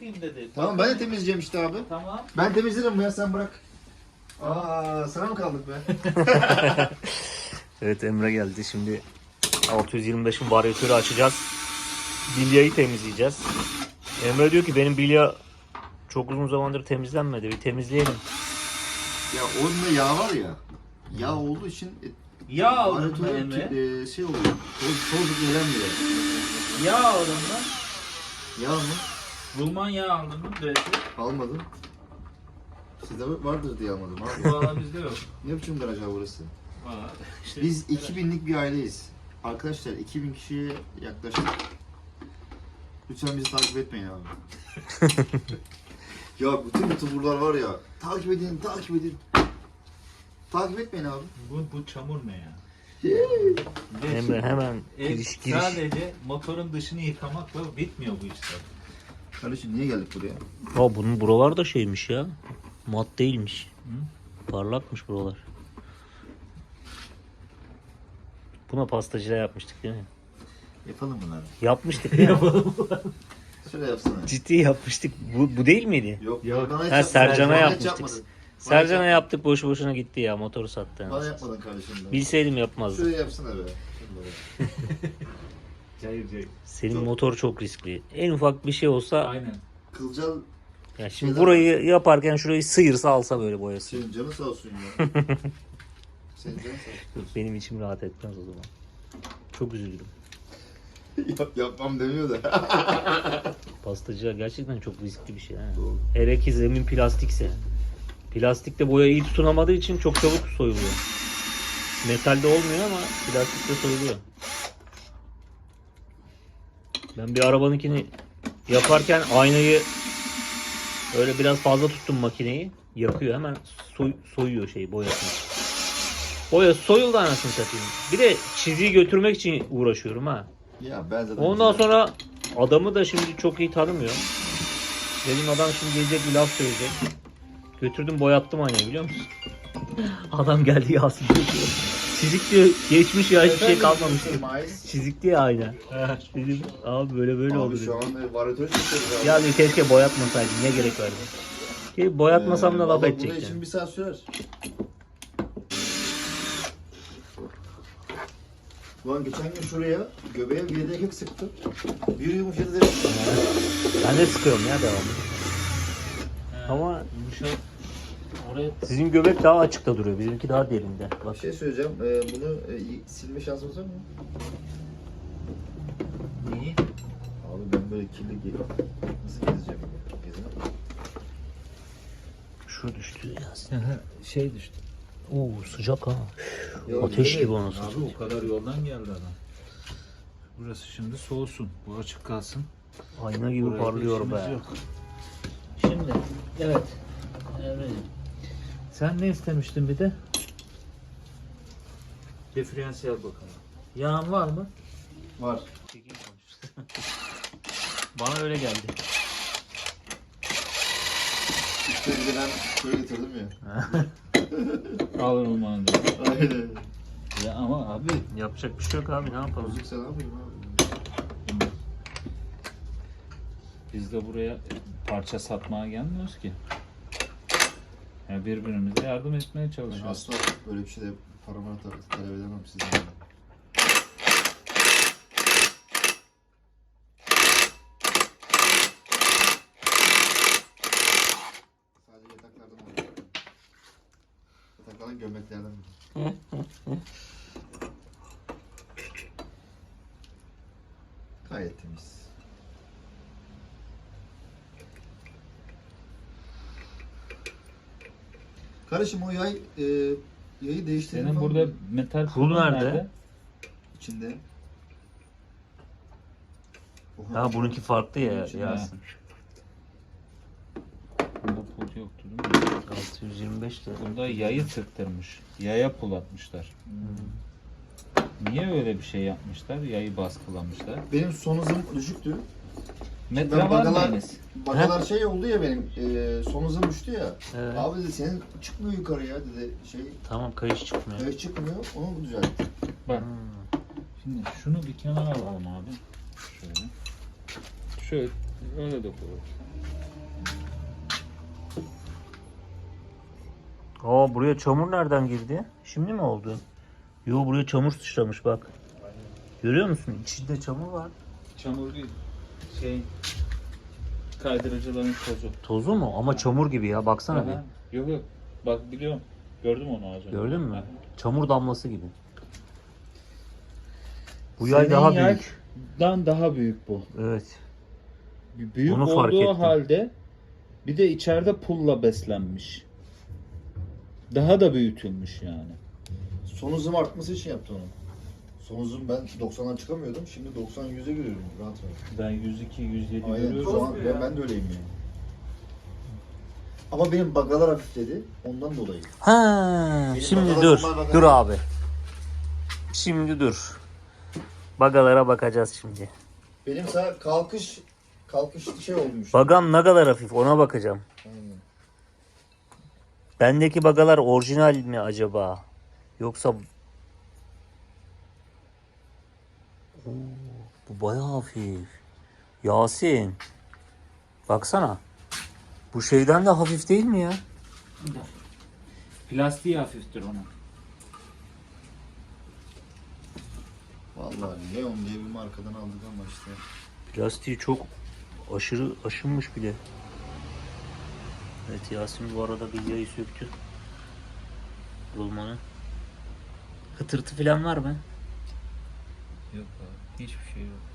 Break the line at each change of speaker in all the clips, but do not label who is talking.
yapayım dedi.
Tamam ben de temizleyeceğim işte abi.
Tamam.
Ben temizlerim ya sen bırak. Aa sana mı kaldık be?
Evet Emre geldi. Şimdi 625'in varyatörü açacağız. Bilyayı temizleyeceğiz. Emre diyor ki benim bilya çok uzun zamandır temizlenmedi. Bir temizleyelim.
Ya onda yağ var ya. Yağ olduğu için
Yağ aldın mı
varyatör
Emre?
şey oluyor. Toz gelenmiyor.
Yağ aldın mı?
Yağ mı?
Rulman yağ aldın mı? Direkt.
Almadım. Sizde vardır diye almadım abi.
Valla bizde yok.
Ne biçim garaj abi burası?
Valla işte.
Biz 2000'lik bir aileyiz. Arkadaşlar 2000 kişiye yaklaştık. Lütfen bizi takip etmeyin abi. Ya bütün youtuberlar var ya. Takip edin, takip edin. Takip etmeyin abi.
Bu çamur ne ya?
Emre hemen giriş.
Sadece motorun dışını yıkamakla bitmiyor bu işler.
Kardeşim niye geldik buraya?
Aa, bunun buralar da şeymiş ya. Mat değilmiş. Parlakmış buralar. Buna pastacıda yapmıştık değil mi?
Yapalım bunları.
Yapmıştık ya.
Şöyle yapsana.
Ciddi yapmıştık. Bu değil miydi?
Yok.
Yok.
Bana hiç
Ha,
yapmadın.
Sercan'a
Bana hiç
yapmıştık.
yapmadın.
Sercan'a yaptık boşu boşuna gitti ya. Motoru sattı.
Bana yapmadın kardeşim. Ben.
Bilseydim yapmazdım.
Şöyle yapsana be.
Cayır cayır.
Senin
Çok-
motor çok riskli. En ufak bir şey olsa
Aynen.
Kılcal
ya şimdi
Şeyler-
burayı yaparken şurayı sıyırsa alsa böyle boyası.
senin canı sağ olsun ya. Senin canı sağ olsun.
Benim içim rahat etmez o zaman. Çok üzüldüm.
Yapmam demiyor da.
Pastacılar gerçekten çok riskli bir şey. Ha.
Doğru.
Hele ki zemin plastikse. Plastikte boya iyi tutunamadığı için çok çabuk soyuluyor. Metalde olmuyor ama plastikte soyuluyor. Ben bir arabanınkini yaparken aynayı öyle biraz fazla tuttum makineyi. Yakıyor hemen soyuyor boyasını. Boya soyuldu anasını satayım. Bir de çiziyi götürmek için uğraşıyorum ha.
Ya ben zaten
Ondan
güzel-
sonra adamı da şimdi çok iyi tanımıyor. Dedim adam şimdi gelecek bir laf söyleyecek. Götürdüm boyattım aynayı biliyor musun? Adam geldi Yasin diyor. Çizik diyor geçmiş ya hiçbir şey kalmamış diyor. Çizik diye ayna. Dedim abi böyle oldu
Abi şu
dedim.
an varyatör çıkıyoruz abi.
Ya diyor keşke boyatmasaydım ne gerek vardı. Ki boyatmasam da laf
vallahi
edecek
bunun için
yani.
bir saat sürer. Ulan geçen gün şuraya göbeğe bir yedek sıktım. Bir yumuşadı dedim.
Ben de sıkıyorum ya devamlı. Ama
Yumuşak. Oraya
sizin göbek daha açıkta duruyor. Bizimki daha derinde. Bak.
Bir şey söyleyeceğim. Bunu silme şansımız var mı?
niye?
Abi ben böyle kirli nasıl gezeceğim? Gezemem.
Şu düştü ya.
Şey düştü.
Oo sıcak ha.
Ya
Ateş
güzel.
gibi onu
Abi o kadar yoldan geldi adam. Burası şimdi soğusun. Bu açık kalsın.
Ayna gibi
Buraya
parlıyor
işimiz
be.
yok. Şimdi evet. Evet. Sen ne istemiştin bir de? Diferansiyel bakalım. Yağın var mı?
Var.
Bana öyle geldi.
İşte bir de ben şöyle getirdim ya.
Alır olmanı
Aynen.
Ya ama abi
Yapacak bir şey yok abi ne yapalım.
Müzik sen ne yapayım abi?
biz de buraya parça satmaya gelmiyoruz ki. Ya birbirimize yardım etmeye
Ben
çalışıyoruz.
asla böyle bir şeyde paramı talep edemem sizden. Sadece yataklardan oluyor. Yataklardan gömleklerden. Gayet temiz. Kardeşim o yayı değiştirdin
Senin
falan
burada
mı?
metal
Pul
pulun
nerede?
İçinde.
Ha bununki farklı ya
İçinde.
Yasin.
Bunda pul yoktu değil mi?
625 lira.
Bunda yayı tıktırmış. Yaya pul atmışlar. Niye öyle bir şey yapmışlar? Yayı baskılamışlar.
Benim son hızım düşüktü.
Metre
Ben
var mı
bagalar,
Enes?
bagalar şey oldu ya benim, son hızım düştü ya.
Evet.
Abi dedi senin çıkmıyor yukarı ya dedi şey,
Tamam kayış çıkmıyor.
çıkmıyor, onu düzeltti.
Bak. Şimdi şunu bir kenara alalım abi. Şöyle. Şöyle Öyle de koyuyoruz.
Aa, buraya çamur nereden girdi? Şimdi mi oldu? Yo, buraya çamur sıçramış bak. Görüyor musun? İçinde çamur var.
Çamur değil. Kaydırıcıların tozu.
Tozu mu? Ama çamur gibi ya. Baksana
Aha. Yok yok. Bak biliyorum. Gördüm onu az
bir.
önce.
Gördün mü?
Aha.
Çamur damlası gibi. Bu
Senin
yay daha büyük.
yaydan daha büyük bu.
Evet.
Büyük
Onu fark
olduğu
ettim.
halde bir de içeride pulla beslenmiş. Daha da büyütülmüş yani.
Son hızım artması için yaptı onu. Son hızım ben 90'dan çıkamıyordum. Şimdi 90-100'e görüyorum rahat rahat.
Ben 102, 107
Aynen.
görüyorum.
Şu an ben de öyleyim yani. Ama benim bagalar hafifledi. Ondan dolayı.
Ha,
Benim
şimdi
bagalar
dur.
normal bagalar.
Dur abi. Şimdi dur. Bagalara bakacağız şimdi.
Benim sağ kalkış şey olmuş.
Bagam ne kadar hafif ona bakacağım.
Aynen.
Bendeki bagalar orijinal mi acaba? Yoksa... Oo, bu bayağı hafif. Yasin. Baksana. Bu şeyden de hafif değil mi ya?
Plastiği hafiftir onun.
Vallahi Leon diye bir markadan aldık ama işte.
Plastiği çok aşırı aşınmış bile. Evet, Yasin bu arada bilyayı söktü. Rulmanı. Hıtırtı falan var mı?
Yok abi. Hiçbir şey yok.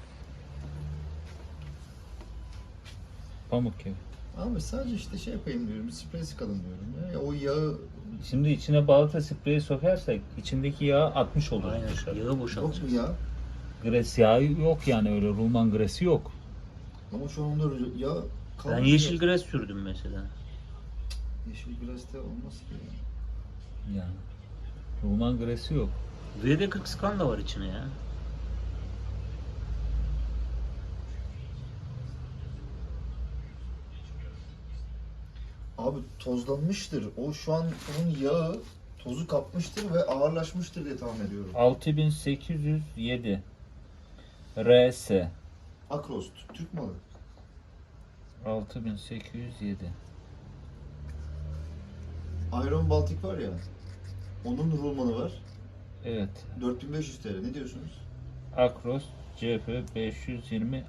Pamuk gibi.
Abi sadece işte şey yapayım diyorum. Bir sprey sıkalım diyorum. Ya o yağı
Şimdi içine balata spreyi sokarsak içindeki yağı atmış olur
Aynen.
dışarı.
Yağı
yok
boşaltacağız.
mu ya?
Gres yağı yok yani öyle rulman gresi yok.
Ama şu anda yağ
Ben
kalmadı.
yeşil gres sürdüm mesela.
Yeşil glas'te olmaz ki.
Yani. Rulman gresi yok.
VD40 skan da var içine ya.
Abi tozlanmıştır. O şu an onun yağı tozu kapmıştır ve ağırlaşmıştır diye tahmin ediyorum.
6807 RS
Akros, Türk malı.
6807
Iron Baltic var ya. Onun rulmanı var.
Evet.
4500 TL. Ne diyorsunuz?
Akros CF 520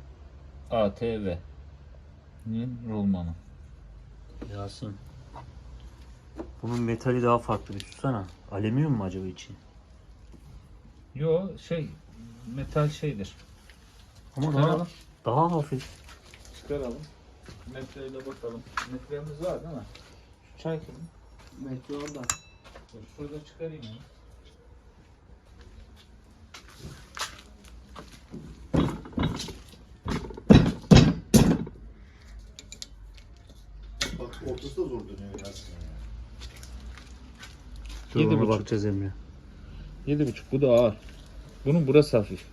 ATV'nin rulmanı.
Yasin. Bunun metali daha farklı bir tutsana. Alüminyum mu acaba içi?
Yo metal şeydir.
Ama
Çıkaralım.
daha hafif.
Çıkaralım. Metreyle bakalım. Metremiz var değil mi? Şu çay kimin?
Metre orada.
Dur, şurada çıkarayım ya.
Bak ortası da zor dönüyor Yasin.
Dur,
7,5.
ona bakacağız Emre.
7,5 bu da ağır. Bunun burası hafif.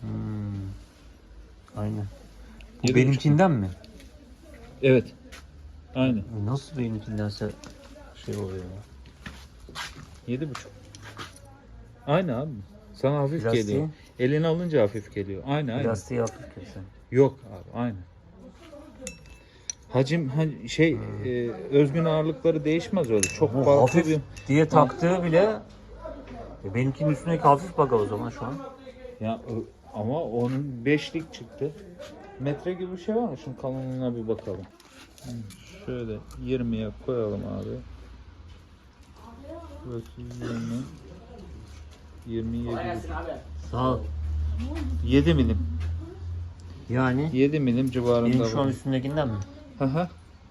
Aynen. Bu
7,5.
benimkinden mi?
Evet. Aynen.
Nasıl benimkindense şey oluyor ya.
7,5. Aynı abi. Sana hafif
Plastiği?
geliyor. Elini alınca hafif geliyor. Aynı.
Plastiği hafif kesin.
Yok abi aynı. Hacim özgün ağırlıkları değişmez öyle. Çok
Bu
farklı
hafif
bir
diye taktığı bile benimkinin üstündeki hafif baga o zaman şu an.
ya ama onun 5'lik çıktı. Metre gibi bir şey var mı? Şunun kalınlığına bir bakalım. Şöyle 20'ye koyalım abi. Burası 20 27
Sağ ol.
7 milim.
Yani
7 milim civarında
benim şu an
var.
üstündekinden mi?
Hı.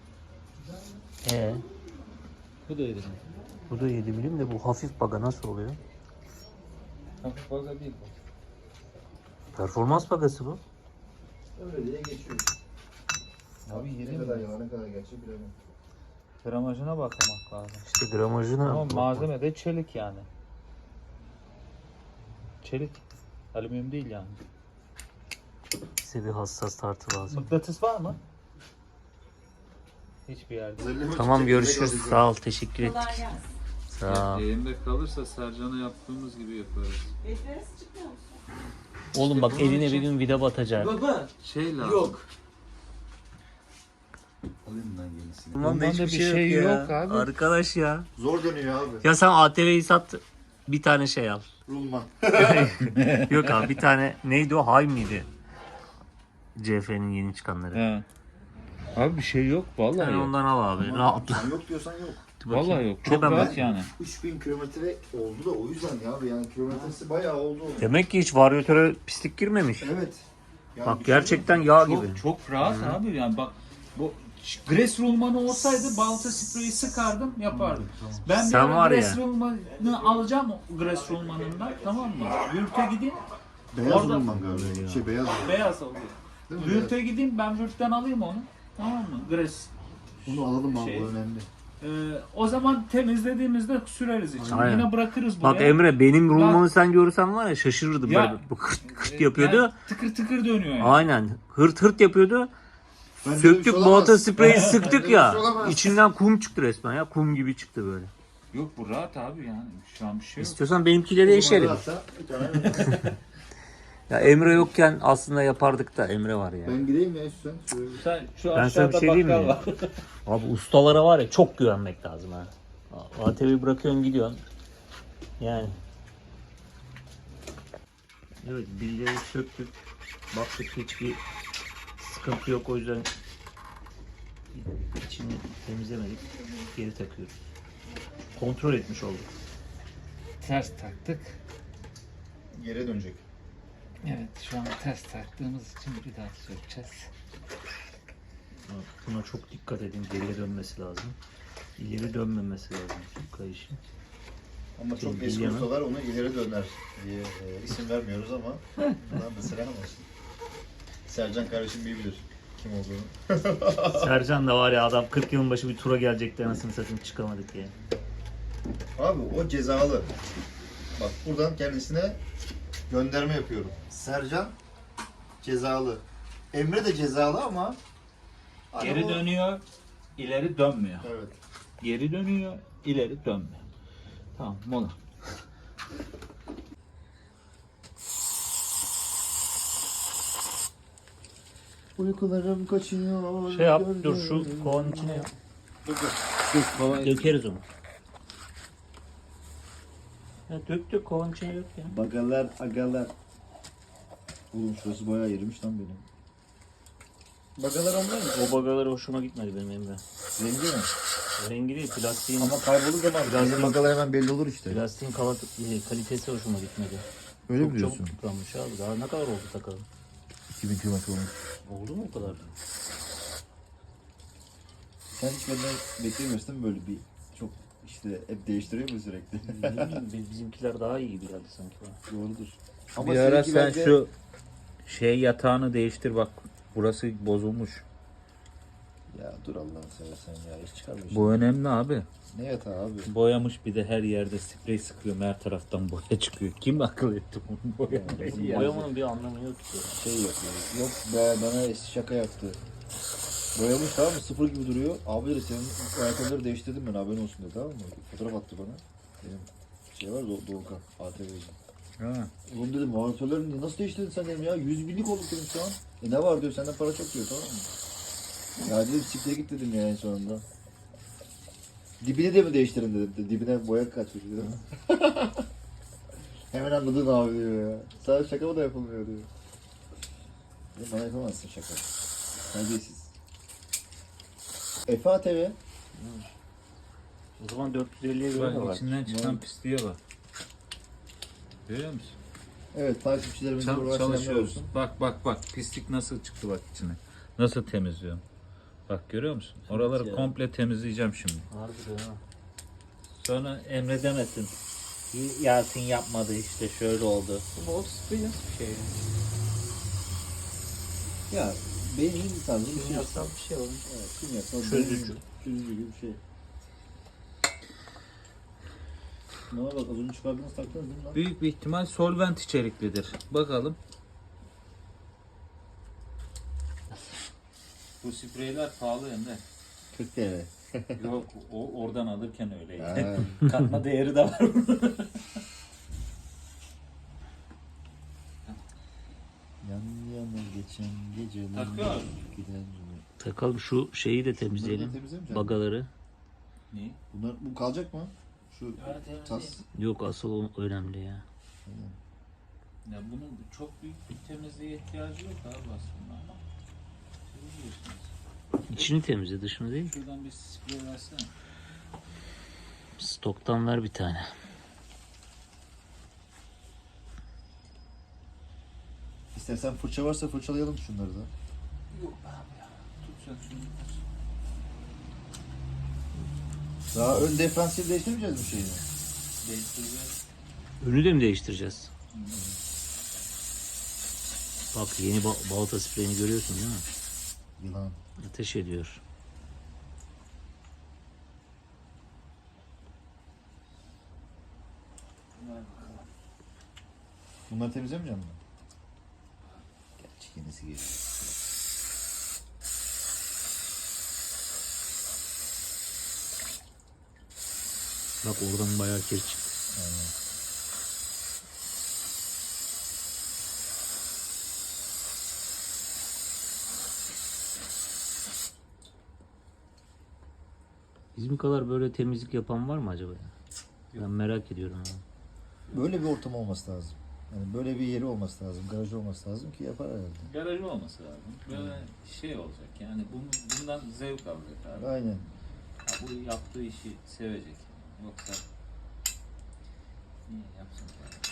Bu da 7 milim.
Bu da 7 milim de bu hafif baga nasıl oluyor?
Hafif fazla değil bu.
Performans bagası bu.
Öyle diye geçiyor.
Abi
Ne
7
kadar
milim.
yalan ne kadar gerçek bilemem.
Gramajına bakmak lazım.
İşte gramajına
Ama
bak-
malzeme de çelik yani. Çelik. Alüminyum değil yani.
Size bir hassas tartı lazım.
Mıknatıs var mı? Hiçbir yerde.
Tamam, görüşürüz. Sağ ol. Teşekkür ettik.
Kolay gelsin.
Sağ ol.
Elimde kalırsa Sercan'a yaptığımız gibi yaparız.
Bekleriz çıkmıyor musun?
Oğlum bak
bunun
eline
için-
bir gün vida batacak.
Baba.
Şey lazım.
Yok.
Alayım ben yenisini.
Rulmanda
hiçbir şey yok abi.
Arkadaş ya.
Zor dönüyor abi.
Ya sen ATV'yi sat, bir tane şey al.
Rulman.
Yok abi, bir tane neydi o, Hay mıydı? CF'nin yeni çıkanları.
He. Abi bir şey yok vallahi
Sen
yok.
ondan al abi. Rahatla.
Sen yok diyorsan yok.
Vallahi yok.
Bir
Çok
de ben-
rahat yani.
3000 kilometre oldu da o yüzden ya abi, yani kilometresi bayağı oldu.
Demek ki hiç varyatöre pislik girmemiş.
Evet. Yani
Bak
bir
gerçekten yağ gibi.
Çok rahat abi yani bak bu Gres rulmanı olsaydı balta spreyi sıkardım yapardım. Ben bir
Sen
ara
var
Gres
ya.
rulmanı alacağım Gres rulmanından, tamam mı? Vürt'e gideyim,
beyaz
orada-
rulman galiba. Beyaz.
beyaz alayım.
Değil mi?
Vürt'e gideyim, ben Vürt'ten alayım onu, tamam mı? Gres.
Bunu alalım abi,
Şey-
bu önemli.
O zaman temizlediğimizde süreriz içine.
Aynen.
Yine bırakırız buraya.
Bak Emre, benim rulmanı sen görürsen var ya, şaşırırdım.
Ya-
Böyle bu kırt kırt yapıyordu.
Yani tıkır tıkır dönüyor yani.
Aynen. Hırt hırt yapıyordu.
Bence
Söktük,
bir şey olamaz.
balta spreyi sıktık
Bence
ya.
bir şey olamaz.
İçinden kum çıktı resmen ya. Kum gibi çıktı böyle.
Yok bu rahat abi yani. Şu an bir şey yok.
İstiyorsan benimkiyle değişelim.
Hatta bir tane-
Ya Emre yokken aslında yapardık da, Emre var ya.
Ben gireyim ya sen. Şöyle.
Sen şu
Ben sana bir şey diyeyim mi? Abi ustalara var ya, çok güvenmek lazım ha. ATV'yi bırakıyorsun, gidiyorsun. Yani. Evet, bilyeyi söktük. Baktık hiçbir sıkıntı yok, o yüzden içini temizlemedik. Geri takıyoruz. Kontrol etmiş olduk.
Ters taktık.
Geri dönecek.
Evet şu an ters taktığımız için bir daha sökeceğiz.
Buna çok dikkat edin, geriye dönmesi lazım. İleri dönmemesi lazım kayışın.
Ama çok
Şey,
eski
bilgemem.
ustalar onu ileri döner diye isim vermiyoruz ama bundan da selam olsun. Sercan kardeşim iyi bilir kim olduğunu.
Sercan da var ya, adam 40 yılın başı bir tura gelecekti, anasını satayım, çıkamadık ya.
Abi o cezalı. Bak buradan kendisine gönderme yapıyorum. Sercan cezalı. Emre de cezalı ama
Geri
o-
dönüyor, ileri dönmüyor.
Evet.
Geri dönüyor, ileri dönmüyor. Tamam mola.
Uykularım kaçıyor.
Şey yap, dur şu kovanın içine yap. Dökeriz onu. Ya dök kovanın içine yok ya.
Bagalar, agalar. Oğlum şurası bayağı yerimiş lan benim. Bagalar onlar mı?
O bagaları hoşuma gitmedi benim Emre.
Rengi mi?
Rengi değil, plastiğin,
Ama kaybolur zaman birazdan bagalar hemen belli olur işte.
plastiğin kalitesi hoşuma gitmedi.
Öyle mi
Çok
diyorsun?
çabuk tıkanmış abi. Daha ne kadar oldu takalım?
2000 kilometre olmuş.
Oldu mu o kadar?
Sen hiç benden beklemiyorsun değil mi böyle bir çok işte hep değiştiriyor mu sürekli?
Ne bileyim, bizimkiler daha iyi gibi geldi sanki bana.
Doğrudur.
Bir ara
seninki
sen
bence-
şu şey yatağını değiştir bak. Burası bozulmuş.
Ya dur Allah'ını seversen ya, hiç çıkarmıyorsun.
Bu önemli abi.
Ne yatağı abi?
Boyamış bir de her yerde sprey sıkıyor. Her taraftan boya çıkıyor. Kim akıl etti bunu boyamayı? ya?
Boyamanın bir anlamı yok ki.
Şey yapıyor. Yok be, bana şaka yaptı. Boyamış, tamam mı? Sıfır gibi duruyor. Abi dedi senin ayakkabıları değiştirdim ben, haberin olsun dedi, tamam mı? Fotoğraf attı bana. Benim şey var Doğukan ATV'ci.
Ha.
Oğlum dedim monitörlerini nasıl değiştirdin sen dedim ya, 100 binlik olduk dedim şu an. Ne var diyor, senden para çok diyor, tamam mı? Ya dedim çiftliğe git dedim ya en sonunda. Dibini de mi değiştirin dedim. Dibine boya kaçmış dedim. Hemen anladın abi diyor ya. Sana şaka mı da yapılmıyor diyor. Ya bana yapamazsın şaka. Terbiyesiz. Efe ATV.
O zaman 450'ye göre de
Bak
var.
içinden çıkan pisliğe bak. Görüyor musun?
Evet, takipçilerimize buradan selamlar
Çalışıyoruz.
olsun.
Bak pislik nasıl çıktı bak içine. Nasıl temizliyorum. Bak görüyor musun? Oraları
ya.
komple temizleyeceğim şimdi.
Harbiden ha.
Sonra Emre demesin. Yasin yapmadı işte şöyle oldu.
Bu sprey nasıl bir şey?
Ya benim iyi tarzım bir şey.
Kimyasal bir şey olmuş.
Evet, kimyasal.
Çözücü.
Çözücü gibi bir şey. Bana bak, az önce çıkardığınız taktınız değil mi lan?
Büyük bir ihtimal solvent içeriklidir. Bakalım. Bu spreyler pahalı Emre.
40 TL.
Yok oradan alırken öyleydi.
Ha.
Katma değeri de var.
Yan yana geçen geceler
Takıyor.
gider mi?
Takalım şu şeyi de temizleyelim.
Temizlemeyecek
Bagaları.
Ne?
Bu kalacak mı? Şu tas.
Yok asıl o önemli ya.
Ya bunun çok büyük bir temizliğe ihtiyacı yok abi aslında ama. Siz biliyorsunuz.
İçini temizle, dışını değil.
Şuradan bir sprey versene.
Stoktan ver bir tane.
İstersen fırça varsa fırçalayalım şunları da.
Yok abi ya. Tut sen şunu.
Daha ön diferansiyel değiştirmeyeceğiz mi şeyini?
Değiştireceğiz.
Önü de mi değiştireceğiz? Bak yeni balata spreyini görüyorsun değil mi?
Yılan.
Ateş ediyor.
Bunları temizlemeyeceğim mi? Gerçi yenisi geliyor.
Bak oradan bayağı kir çıktı.
Aynen.
Bizim kadar böyle temizlik yapan var mı acaba ya? Ben merak ediyorum. Ama.
Böyle bir ortam olması lazım. Yani böyle bir yeri olması lazım, garajı olması lazım ki yapar herhalde.
Garajı olması lazım. Böyle şey olacak yani bundan zevk alacak abi.
Aynen.
Ha, bu yaptığı işi sevecek. Yoksa niye yapsın ki?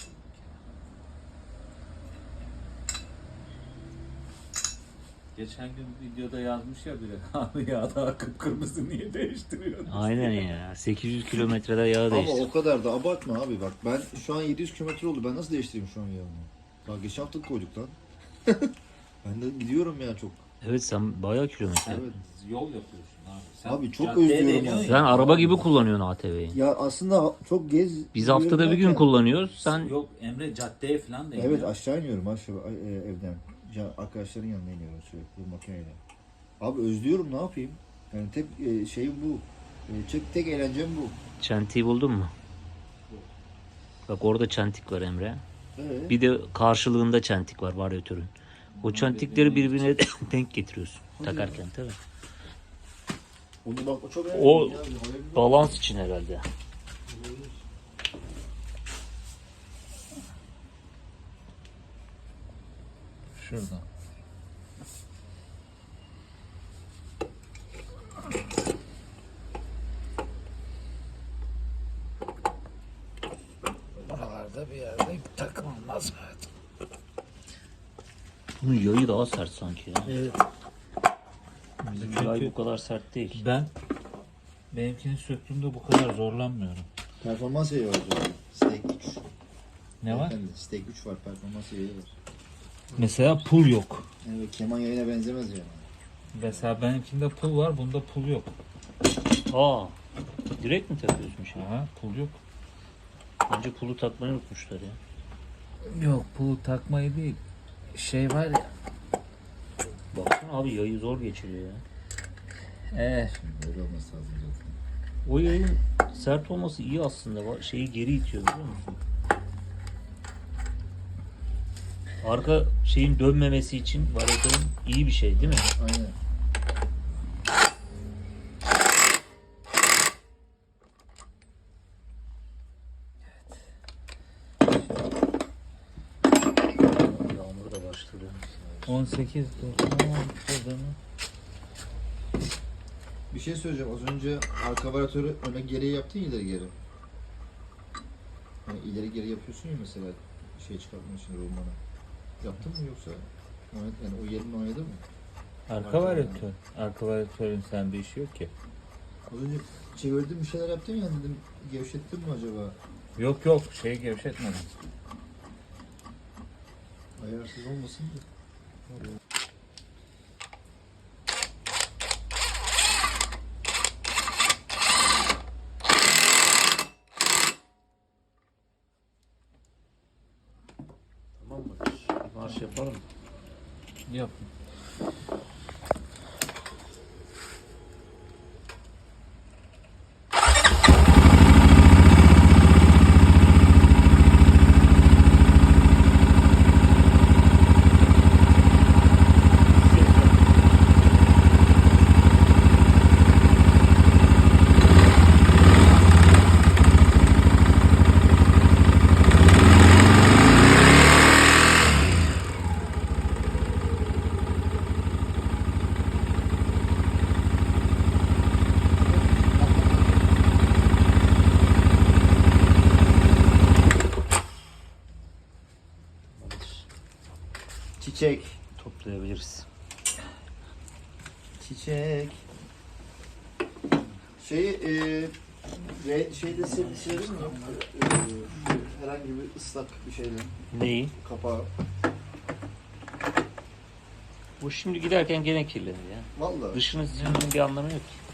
Geçen gün videoda yazmış ya biri. Abi ya daha kıpkırmızı niye değiştiriyorsun?
Aynen ya. 800 kilometrede yağı
Ama
değiştir.
o kadar da abartma abi bak. Ben şu an 700 kilometre oldu. Ben nasıl değiştireyim şu an yağını? Daha geçen hafta koyduk lan. Ben de gidiyorum ya çok.
Evet sen bayağı kilometre.
Evet.
Yol yapıyorsun abi. Sen
Abi çok
caddeye
özlüyorum
deniyorsun
onu.
ya.
Sen araba gibi kullanıyorsun ATV'yi.
Ya aslında çok
Biz haftada bir gün kullanıyoruz. Sen
Yok Emre caddeye falan da
Evet aşağı iniyorum evden. Ya, arkadaşların yanına iniyorum sürekli bu makineyle. Abi özlüyorum ne yapayım? Yani tek şeyim bu. Tek eğlencem bu.
çentiği buldun mu? Bak orada çentik var Emre.
Evet.
Bir de karşılığında çentik var varyatörün. O çentikleri birbirine denk getiriyorsun takarken tabii.
Onu bak o çok
O
önemli ya. Haberin var.
balans için herhalde.
Şuradan. Buralarda bir yerde takmam lazım.
Bunun yayı daha sert sanki ya.
Evet.
Bizim yay bu kadar sert değil.
Ben benimkini söktüğümde bu kadar zorlanmıyorum.
Performans yayı var. Stake 3.
Ne var?
Stake 3 var. Performans yayı var.
Mesela pul yok.
Evet, keman yayına benzemez yani.
Mesela benimkinde pul var, bunda pul yok.
Aa, direkt mi takıyorsun şimdi?
Aha, pul yok.
Önce pulu takmayı unutmuşlar ya.
Yok, pulu takmayı değil. Şey var ya.
Baksana abi yayı zor geçiriyor ya.
Böyle olması lazım zaten.
O yayın sert olması iyi aslında. Şeyi geri itiyor biliyor musun? Arka şeyin dönmemesi için varyatörün iyi bir şey değil mi?
Aynen.
Yağmur da başladı.
18
Bir şey söyleyeceğim. Az önce arka varyatörü öne geriye yaptın ya ileri geri. Yani ileri geri yapıyorsun ya mesela şey çıkartmak için rulmanı. Yaptın mı yoksa? Yani o yerini oynadı mı?
Arka varyatör. Arka varyatörün sende işi yok ki.
Az önce çevirdim bir şeyler yaptın ya dedim gevşettin mi acaba?
Yok yok, şeyi gevşetmedim.
Ayarsız olmasın da.
Tamam mı? Marş yapalım.
Yap.
Çiçek.
Toplayabiliriz.
Çiçek. Şeyde silelim mi? Herhangi bir ıslak bir şeyle.
Neyi?
Kapağı.
Bu şimdi giderken gene kirlenir ya.
Vallahi.
Dışını silmenin bir anlamı yok ki.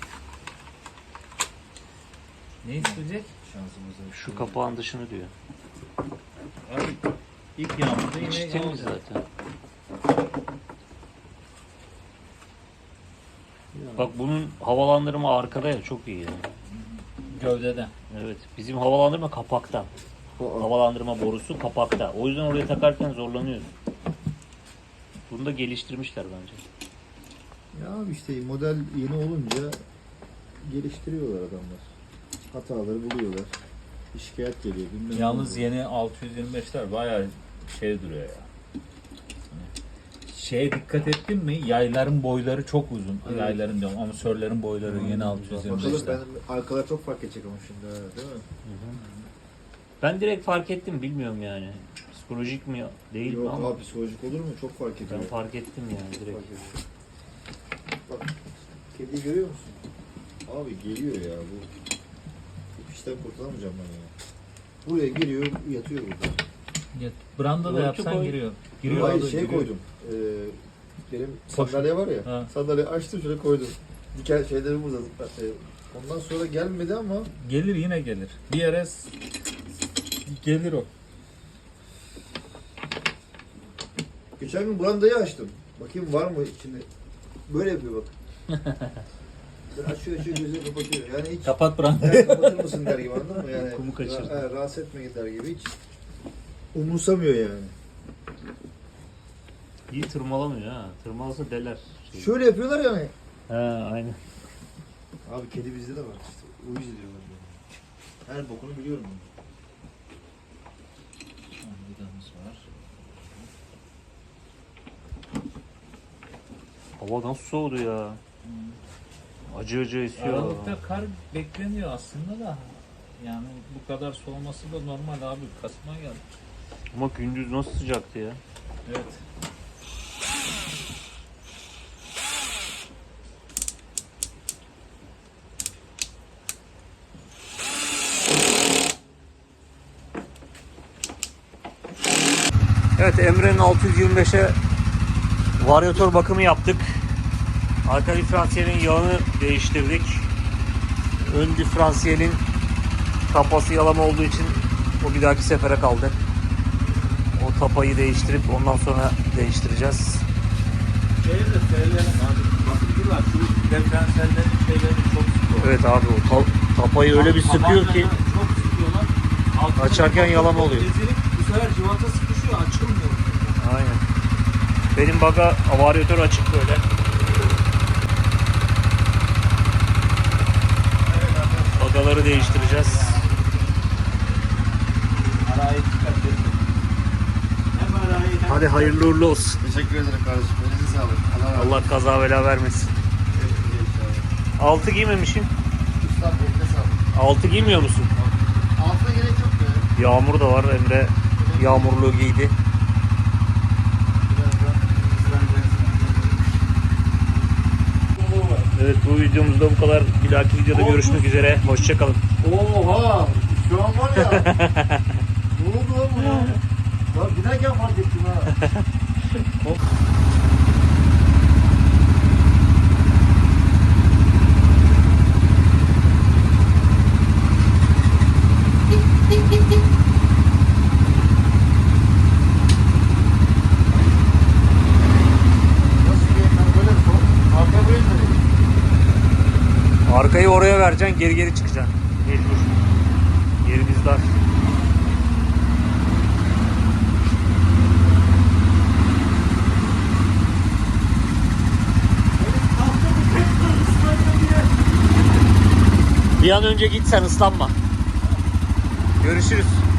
Ne isteyecek?
Şansımıza.
Şu kapağın dışını diyor.
Abi ilk yağmurda
İçi
yine
temiz
yağacak.
zaten. Bak bunun havalandırma arkada ya, çok iyi yani.
Gövdeden.
Evet, bizim havalandırma kapakta. Havalandırma borusu kapakta. O yüzden oraya takarken zorlanıyoruz. Bunu da geliştirmişler bence.
Ya abi işte model yeni olunca geliştiriyorlar adamlar. Hataları buluyorlar. Bir şikayet geliyor. Bilmem
Yalnız
ne
yeni 625'ler bayağı şey duruyor ya. Şeye dikkat ettin mi? Yayların boyları çok uzun.
Evet.
Yayların diyorum, amatörlerin boyları yeni
Bakalım
625'ler.
ben arkalar çok fark edecek ama şimdi değil mi?
Ben direkt fark ettim, bilmiyorum yani. Psikolojik mi değil mi
Yok
ama
abi psikolojik olur mu? Çok fark ediyor.
ben fark ettim yani direkt.
Fark ediyor. Bak kediyi görüyor musun? Abi geliyor ya bu. Bu işten kurtulamayacağım ben ya. Buraya giriyor yatıyor burada.
Branda da
Örtü
yapsan
koy.
giriyor.
Hayır
abi,
şey
giriyor.
koydum. Benim sandalye var ya.
Ha.
Sandalye açtım şöyle koydum. Diken şeyleri burada. Ondan sonra gelmedi ama
Gelir yine gelir. Bir yere gelir o.
geçen gün brandayı açtım. Bakayım var mı içinde. Böyle yapıyor bak. Ben açıyor gözünü kapatıyor. Yani hiç
Kapat brandayı.
"Ya kapatır mısın der gibi anladın mı? Yani
Kumu kaçırdı.
rahatsız etme gider gibi hiç umursamıyor yani.
İyi tırmalamıyor ha. Tırmalasa deler.
Şöyle yapıyorlar yani.
Ha aynen.
Abi kedi bizde de var işte. Uyuz ediyorlar yani. Her bokunu biliyorum ben.
Vidamız var.
Hava nasıl soğudu ya. Acı acı esiyor.
Aralıkta kar bekleniyor aslında da. Yani bu kadar soğuması da normal abi. Kasım'a geldi.
Ama gündüz nasıl sıcaktı ya.
Evet.
Evet, Emre'nin 625'e varyatör bakımı yaptık. Arka diferansiyelin yağını değiştirdik. Ön diferansiyelin tapası yalama olduğu için o bir dahaki sefere kaldı. O tapayı değiştirip ondan sonra değiştireceğiz.
Şeyi de söyleyelim abi. Bakıcılar şu diferansiyellerin şeyleri çok sıkıyor.
Evet abi, o tapayı öyle bir sıkıyor ki
Çok sıkıyorlar. Altına
Açarken
çok
yalama oluyor.
ezilip bu sefer civata sıkışıyor, açılmıyor.
aynen. Benim baga varyatör açık böyle. Bagaları değiştireceğiz.
Arayı dikkat edin. Hem arayı hem
Hadi hayırlı uğurlu olsun.
Teşekkür ederim kardeşim. Elinize sağlık. Allah razı olsun.
Allah kaza bela vermesin. Altı giymemişim.
Ustam eline sağlık.
Altı giymiyor musun?
Altına gerek yok be.
Yağmur da var. Emre yağmurluğu giydi. Evet, bu videomuzda bu kadar. Bir dahaki videoda görüşmek üzere. Hoşçakalın.
Oha! Şu an var ya. Ne oldu lan buna? Lan giderken fark ettim ha. Nasıl diyeyim ben böyle mi? Arka böyle mi?
Arkayı oraya vereceksin, geri geri çıkacaksın. Mecbur. Yerimiz dar. Bir an önce git, sen ıslanma. Görüşürüz.